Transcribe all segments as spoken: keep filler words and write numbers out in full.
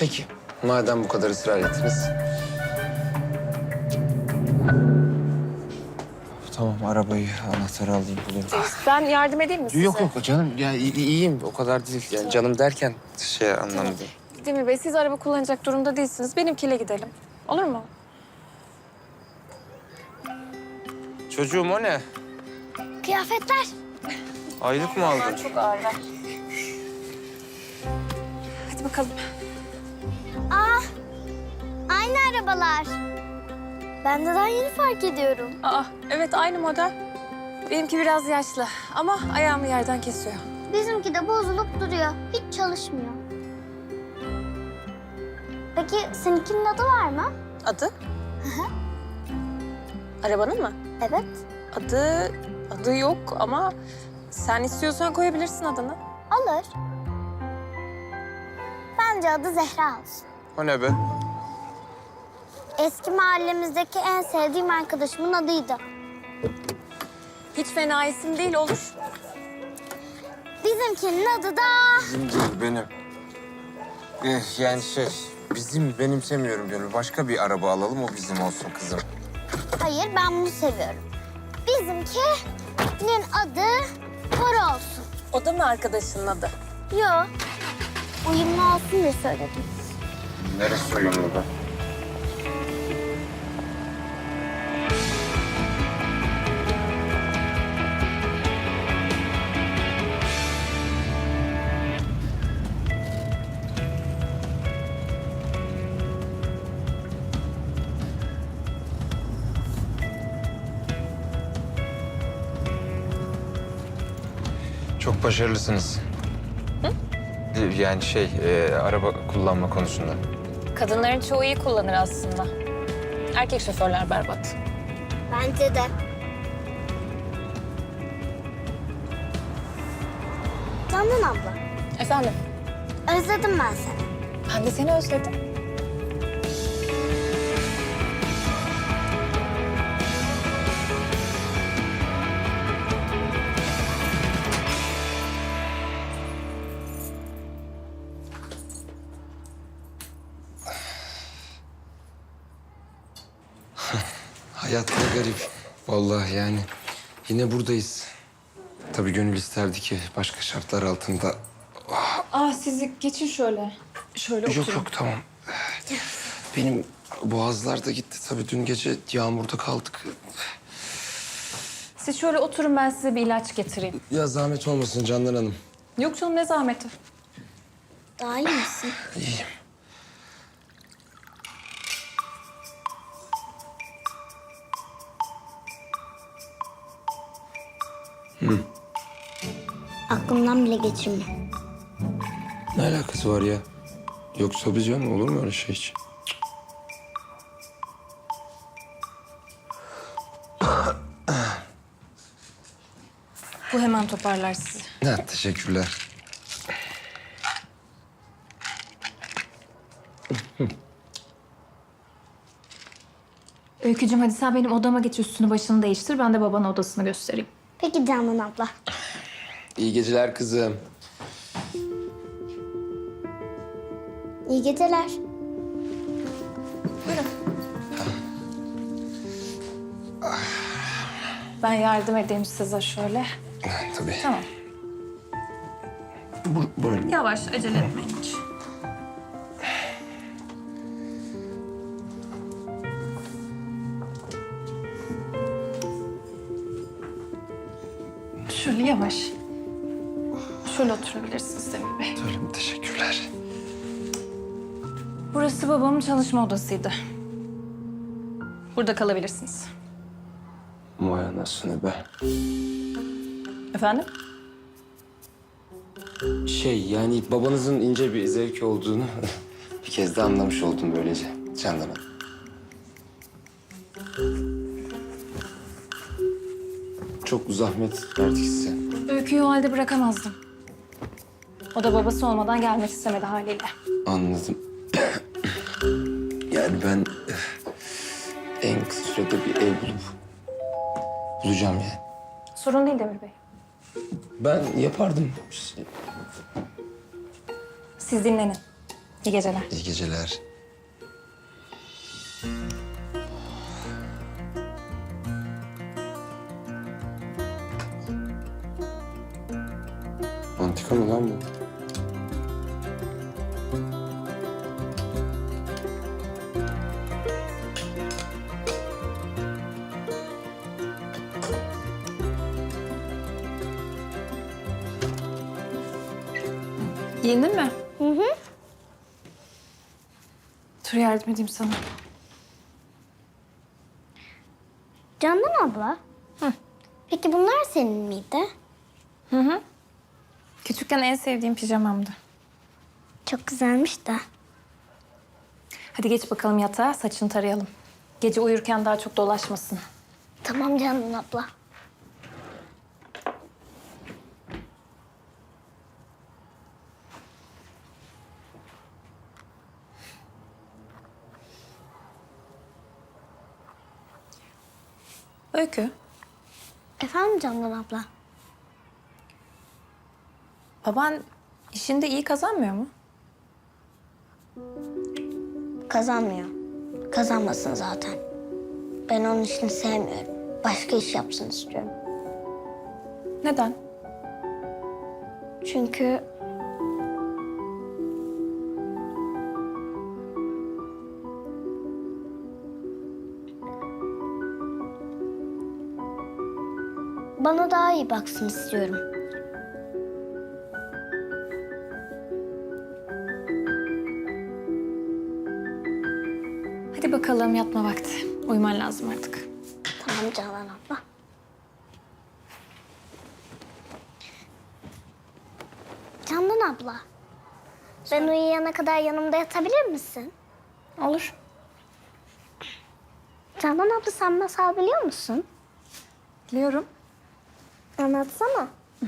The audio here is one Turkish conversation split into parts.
Peki, madem bu kadar ısrar ettiniz. Tamam, arabayı, anahtarı alayım, bulayım. Ben yardım edeyim mi size? Yok yok canım, ya i- iyiyim. O kadar değil. Yani canım derken şey anlamda. Demir Bey, siz araba kullanacak durumda değilsiniz. Benimkiyle gidelim. Olur mu? Çocuğum o ne? Kıyafetler. Aylık mı aldın? Çok ağırlar. Hadi bakalım. Aa, aynı arabalar. Ben de daha yeni fark ediyorum. Aa, evet aynı model. Benimki biraz yaşlı ama ayağımı yerden kesiyor. Bizimki de bozulup duruyor. Hiç çalışmıyor. Peki seninkinin adı var mı? Adı? Arabanın mı? Evet. Adı, adı yok ama sen istiyorsan koyabilirsin adını. Olur. Bence adı Zehra olsun. O ne be? Eski mahallemizdeki en sevdiğim arkadaşımın adıydı. Hiç fena isim değil, olur. Bizimkinin adı da... Bizim değil, benim. Eh, yani şey, bizim benimsemiyorum diyorum. Başka bir araba alalım, o bizim olsun kızım. Hayır, ben bunu seviyorum. Bizimkinin adı Koro olsun. O da mı arkadaşının adı? Yo, uyumlu olsun diye söyledim. Neresi uyumlu be? Çok başarılısınız. Hı? Yani şey, e, araba kullanma konusunda. Kadınların çoğu iyi kullanır aslında. Erkek şoförler berbat. Bence de. Canan abla, Efendim? özledim ben seni. Ben de seni özledim. Hayat ne garip. Vallahi yani yine buradayız. Tabii gönül isterdi ki başka şartlar altında. Aa, siz geçin şöyle. Şöyle oturun. Yok yok tamam. Benim boğazlar da gitti tabii. Dün gece yağmurda kaldık. Siz şöyle oturun, ben size bir ilaç getireyim. Ya zahmet olmasın Candan Hanım. Yok canım, ne zahmeti. Daha iyi misin? İyiyim. Aklımdan bile geçirme. Ne alakası var ya? Yok tabii canım, olur mu öyle şey hiç? Bu hemen toparlar sizi. Ha, teşekkürler. Öykücüğüm, hadi sen benim odama geç, üstünü başını değiştir. Ben de babanın odasını göstereyim. Peki Canan abla. İyi geceler kızım. İyi geceler. Ben yardım edeyim size şöyle. Ha, tabii. Tamam. Bu, böyle. Yavaş, acele etmeyin hiç. Şöyle yavaş. Şöyle oturabilirsiniz Demir Bey. Öyle mi? Teşekkürler. Burası babamın çalışma odasıydı. Burada kalabilirsiniz. Vay anasını be. Efendim? Şey yani babanızın ince bir zevki olduğunu bir kez de anlamış oldum böylece Candan Hanım. Çok zahmet verdik size. Öyküyü o halde bırakamazdım. O da babası olmadan gelmek istemedi haliyle. Anladım. Yani ben eh, en kısa sürede bir ev bulup bulacağım yani. Sorun değil Demir Bey. Ben yapardım. Siz dinlenin. İyi geceler. İyi geceler. Antika mı lan bu? Giyindin mi? Hı hı. Dur yardım edeyim sana. Candan abla. Hı. Peki bunlar senin miydi? Hı hı. Küçükken en sevdiğim pijamamdı. Çok güzelmiş de. Hadi geç bakalım yatağa, saçını tarayalım. Gece uyurken daha çok dolaşmasın. Tamam Candan abla. Öykü, Efendim Candan abla. baban işinde iyi kazanmıyor mu? Kazanmıyor. Kazanmasın zaten. Ben onun işini sevmiyorum. Başka iş yapsın istiyorum. Neden? Çünkü bana daha iyi baksın istiyorum. Hadi bakalım yatma vakti. Uyuman lazım artık. Tamam Canan abla. Candan abla. Ben uyuyana kadar yanımda yatabilir misin? Olur. Candan abla sen masal biliyor musun? Biliyorum. Anlatsana.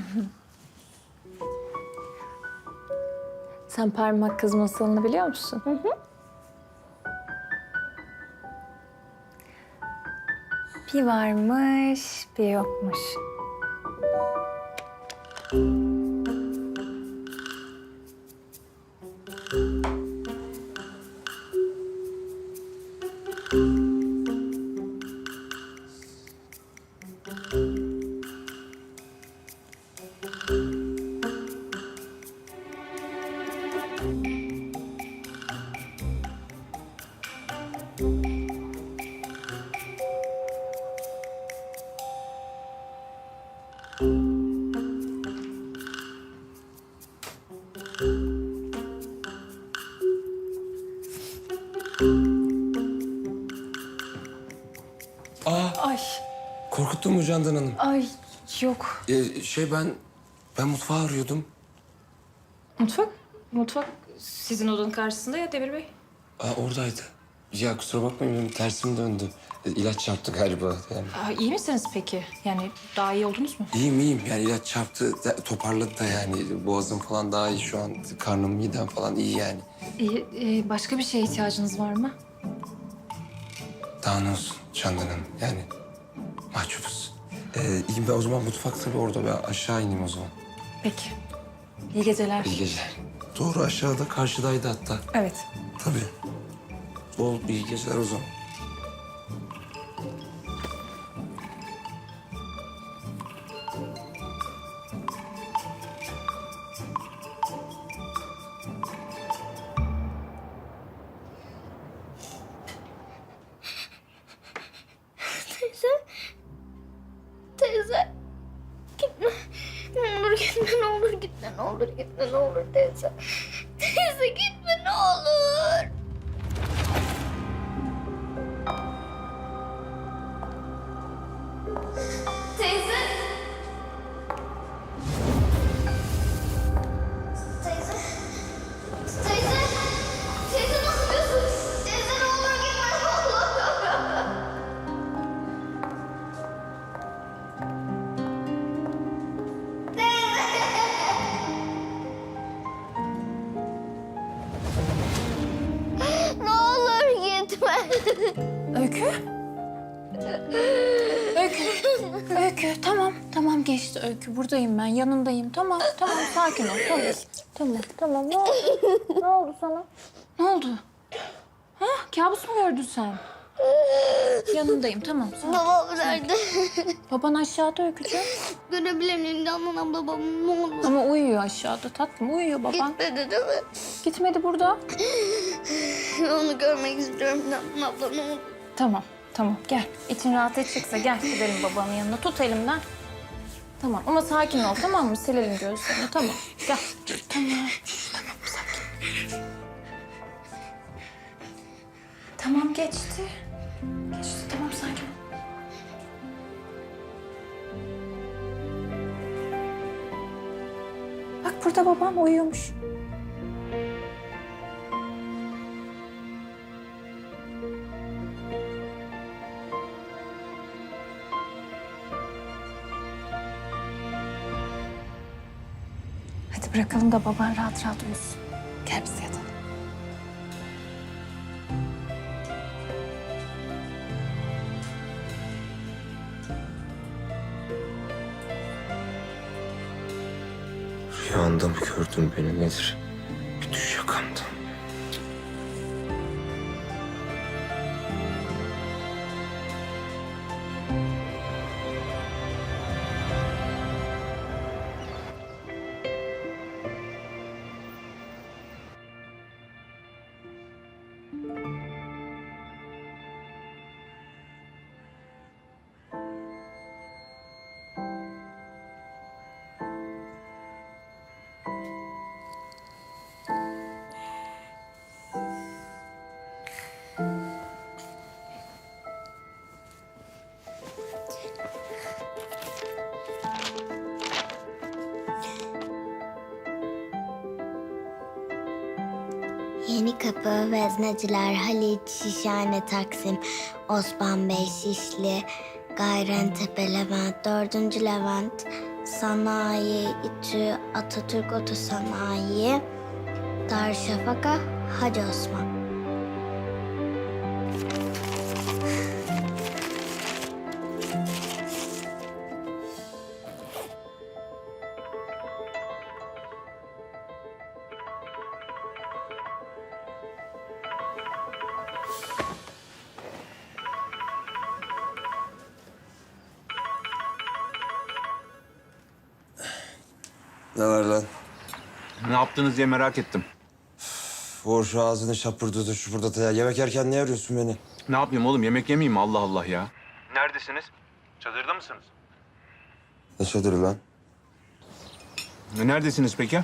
Sen parmak kız masalını biliyor musun? Hı hı. Bir varmış, bir yokmuş. Aa, Ay, korkuttun mu Candan Hanım? ay yok. Ee, şey ben, ben mutfağı arıyordum. Mutfak? Mutfak sizin odanın karşısında ya Demir Bey. Aa, oradaydı. Ya kusura bakmayın benim tersim döndü. Ee, ilaç çarptı galiba yani. Aa, iyi misiniz peki? Yani daha iyi oldunuz mu? İyiyim iyiyim yani ilaç çarptı da- toparladı da yani. Boğazım falan daha iyi şu an. Karnım midem falan iyi yani. İyi, e, başka bir şeye ihtiyacınız var mı? Daha ne olsun Candan Hanım yani mahcubuz. Ee, iyiyim ben o zaman mutfak tabii orada ben aşağı ineyim o zaman. Peki. İyi geceler. İyi geceler. Doğru aşağıda karşıdaydı hatta. Evet. Tabii. Bol iyi geceler o zaman. Teyze. Teyze. Gitme. Ne olur gitme, ne olur gitme, ne olur gitme, ne olur teyze. Teyze gitme ne olur. Teyze. Teyze. Teyze. Teyze ne yapıyorsun? Teyze ne olur gitme ne olur. Ne olur gitme. Öykü? Öykü. Öykü tamam tamam. Tamam geçti Öykü. Buradayım ben. Yanındayım. Tamam tamam sakin ol. Tamam. Tamam tamam. Ne oldu? Ne oldu sana? Ne oldu? Ha? Kabus mu gördün sen? Yanındayım tamam. Sakin. Babam nerede? Baban aşağıda Öykücüğüm. Görebilir miyim Canan abla babam ne olur? Ama uyuyor aşağıda tatlım. Uyuyor baban. Gitmedi değil mi? Gitmedi burada. Onu görmek istiyorum Canan abla ne olur. Tamam tamam gel. İçin rahat edecekse gel gidelim babanın yanına. Tut elimden. Tamam ama sakin ol tamam mı? Silelim gözlerini tamam. Gel. Tamam. Tamam sakin. Tamam geçti. Geçti tamam sakin ol. Bak burada babam uyuyormuş. Hadi bırakalım da baban rahat rahat uyusun. Gel biz yatalım. Rüyanda mı gördün beni nedir? Bir düş yakamdan. Yeni Kapı, Vezneciler, Haliç, Şişhane, Taksim, Osman Bey, Şişli, Gayrentepe, Levent, Dördüncü Levent, Sanayi, İTÜ, Atatürk Otosanayi, Darüşşafaka, Hacı Osman. Ne var lan? Ne yaptınız diye merak ettim. Vur şu ağzını şapırdadı şu burada ya. Yemek yerken niye arıyorsun beni? Ne yapayım oğlum, yemek yemeyeyim mi? Allah Allah ya. Neredesiniz? Çadırda mısınız? Ne çadırı lan? E, Neredesiniz peki?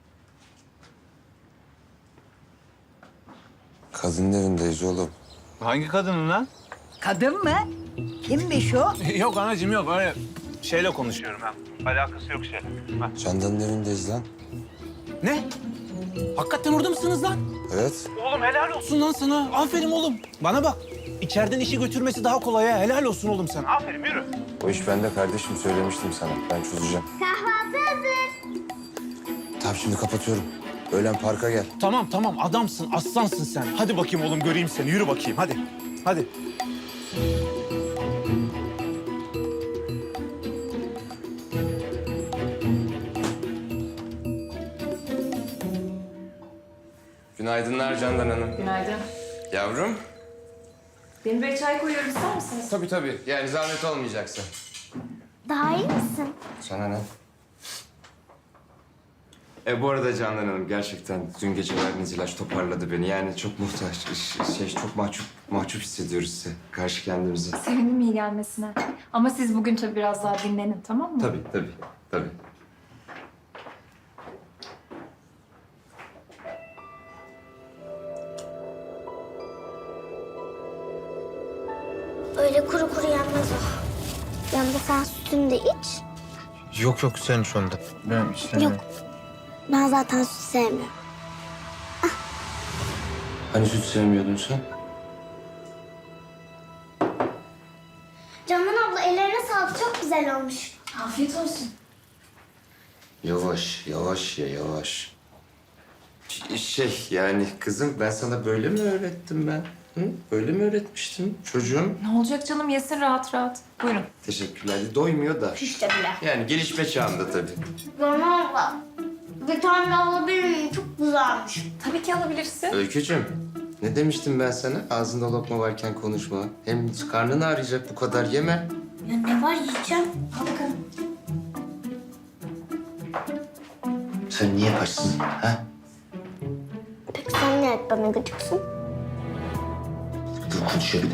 Kadının evindeyiz oğlum. Hangi kadının lan? Kadın mı? Kimmiş o? Yok anacığım yok, öyle şeyle konuşuyorum ha. Alakası yok şeyle. Ha. Candan'ın evindeyiz lan. Ne? Hakikaten orada mısınız lan? Evet. Oğlum helal olsun lan sana. Aferin oğlum. Bana bak. İçeriden işi götürmesi daha kolay ha. Helal olsun oğlum sana. Aferin, yürü. O iş bende kardeşim, söylemiştim sana. Ben çözeceğim. Kahvaltı hazır. Tamam şimdi kapatıyorum. Öğlen parka gel. Tamam tamam, adamsın, aslansın sen. Hadi bakayım oğlum, göreyim seni. Yürü bakayım, hadi. Hadi. Günaydınlar Candan Hanım. Günaydın. Yavrum. Benim bir çay koyuyorum ister misiniz? Tabii tabii. Yani zahmet olmayacaksa. Daha iyi misin? Sana ne? E bu arada Candan Hanım gerçekten dün gece verdiğiniz ilaç toparladı beni. Yani çok muhtaç, şey çok mahcup, mahcup hissediyoruz size karşı kendimizi. Sevindim iyi gelmesine. Ama siz bugün tabii biraz daha dinlenin tamam mı? Tabii tabii tabii. Öyle kuru kuru yenmez o. Yanında sen sütünü de iç. Yok yok sen şu anda. Ben istemiyorum. Yok. Ben zaten süt sevmiyorum. Hani süt sevmiyordun sen? Canan abla ellerine sağlık çok güzel olmuş. Afiyet olsun. Yavaş yavaş ya yavaş. Ş- Şey yani kızım ben sana böyle mi öğrettim ben? Hı? Öyle mi öğretmiştin çocuğum? Ne olacak canım, yesin rahat rahat. Buyurun. Teşekkürler. Doymuyor da. İşte bile. Yani gelişme çağında tabii. Bana abla. Bir tane alabilir miyim? Çok güzelmiş. Tabii ki alabilirsin. Öykücüğüm, ne demiştim ben sana? Ağzında lokma varken konuşma. Hem karnın ağrıyacak, bu kadar yeme. Ya ne var yiyeceğim? Al bakalım. Sen niye kaçsın, ha? Peki sen ne et bana gıcıksın? Dur konuşabilir.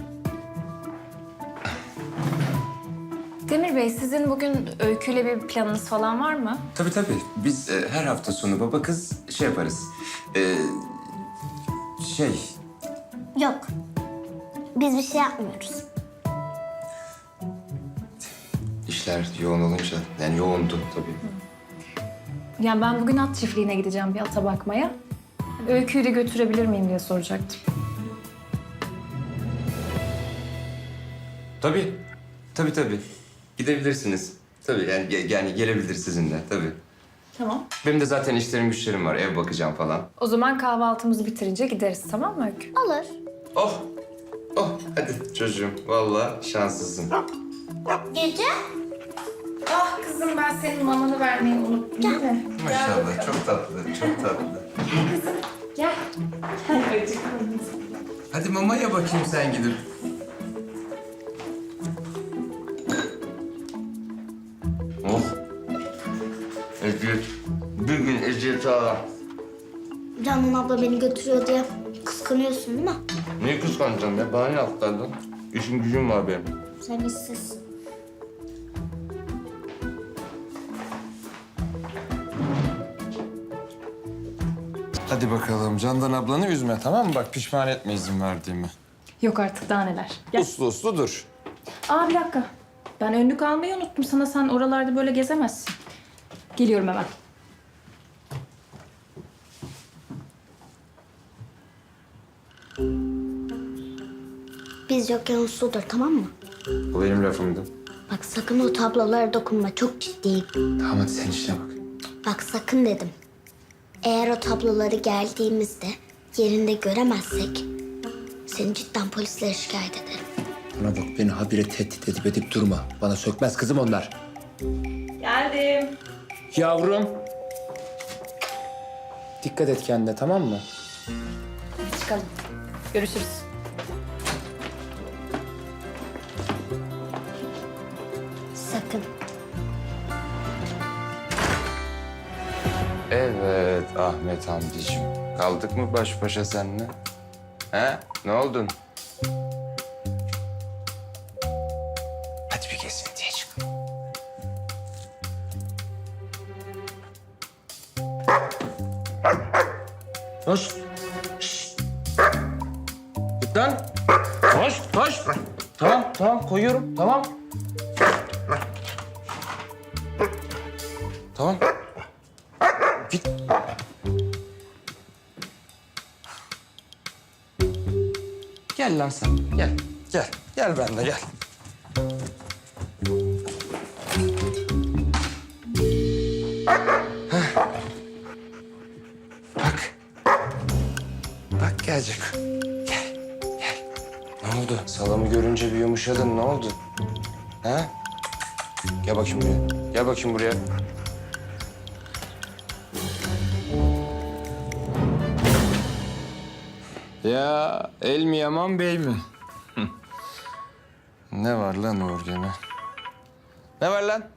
Demir Bey, sizin bugün Öykü'yle bir planınız falan var mı? Tabii tabii. Biz e, her hafta sonu baba kız şey yaparız. E, şey, Yok. Biz bir şey yapmıyoruz. işler yoğun olunca, yani yoğundu tabii. Yani ben bugün at çiftliğine gideceğim bir ata bakmaya. Öykü'yü de götürebilir miyim diye soracaktım. Tabii, tabii tabii. Gidebilirsiniz. Tabii yani, ge- yani gelebilir sizinle tabii. Tamam. Benim de zaten işlerim güçlerim var, ev bakacağım falan. O zaman kahvaltımızı bitirince gideriz, tamam mı Öykü? Olur. Oh, oh hadi çocuğum. Vallahi şanslısın. Gece? Ah kızım, ben senin mamanı vermeyi unuttum değil mi? Maşallah, çok tatlı, çok tatlı. Gel. Gel bacım. Hadi mamaya bakayım sen gidip. Oh. Eziyet. Bir gün eziyet ağa. Canan abla beni götürüyor diye kıskanıyorsun değil mi? Niye kıskanacağım ya? Bana ne yaptırdın? İşim gücüm var benim. Sen işsiz. Hadi bakalım. Candan ablanı üzme, tamam mı? Bak pişman etme izin verdiğimi. Yok artık, daha neler. Gel. Uslu uslu dur. Aa bir dakika. Ben önlük almayı unuttum sana. Sen oralarda böyle gezemezsin. Geliyorum hemen. Biz yokken usludur tamam mı? Bu benim lafımdı. Bak sakın o tablolara dokunma. Çok ciddiyim. Tamam hadi sen işine bak. Bak sakın dedim. Eğer o tabloları geldiğimizde yerinde göremezsek seni cidden polislere şikayet ederim. Bana bak, beni habire tehdit edip edip durma. Bana sökmez kızım onlar. Geldim. Yavrum. Dikkat et kendine, tamam mı? Hadi çıkalım. Görüşürüz. Sakın. Evet Ahmet amcacığım. Kaldık mı baş başa seninle? He? Ne oldun? Hadi bir gezintiye çıkalım. Hoş. Şşt. Git lan. Hoş, hoş. Tamam, tamam koyuyorum. Tamam. Tamam. Git. Gel lan sen. Gel. Gel. Gel benimle gel. Heh. Bak. Bak gelecek. Gel. Gel. Ne oldu? Salamı görünce bir yumuşadın. Ne oldu? Ha? Gel bakayım buraya. Gel bakayım buraya. Ya el mi yaman bey mi? Ne var lan Uğur gene? Ne var lan?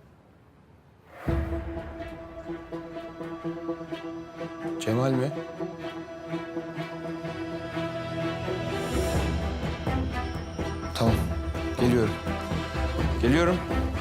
Cemal mi? Tamam. Geliyorum. Geliyorum.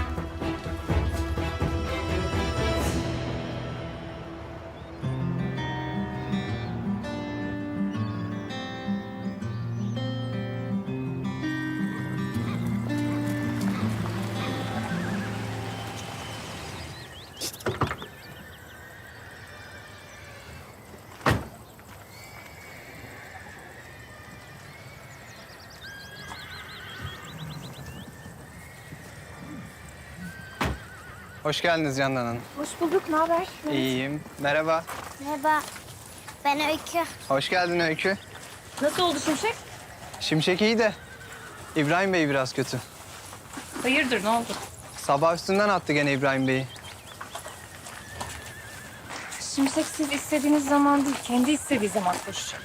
Hoş geldiniz Candan Hanım. Hoş bulduk. Ne haber? İyiyim. Merhaba. Merhaba. Ben Öykü. Hoş geldin Öykü. Nasıl oldu Şimşek? Şimşek iyi de İbrahim Bey biraz kötü. Hayırdır ne oldu? Sabah üstünden attı gene İbrahim Bey'i. Şimşek siz istediğiniz zaman değil, kendi istediği zaman koşacak.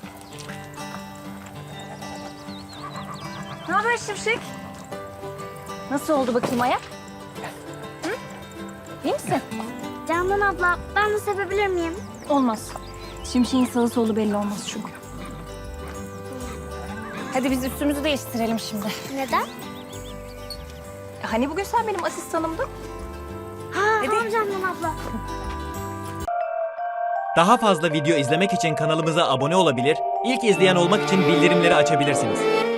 Ne haber Şimşek? Nasıl oldu bakayım ayak? Hı? İyi misin? Canan abla ben de sevebilir miyim? Olmaz. Şimşek'in sağı solu belli olmaz çünkü. Hadi biz üstümüzü değiştirelim şimdi. Neden? Hani bugün sen benim asistanımdın? Ha, tamam Canan abla. Daha fazla video izlemek için kanalımıza abone olabilir, ilk izleyen olmak için bildirimleri açabilirsiniz.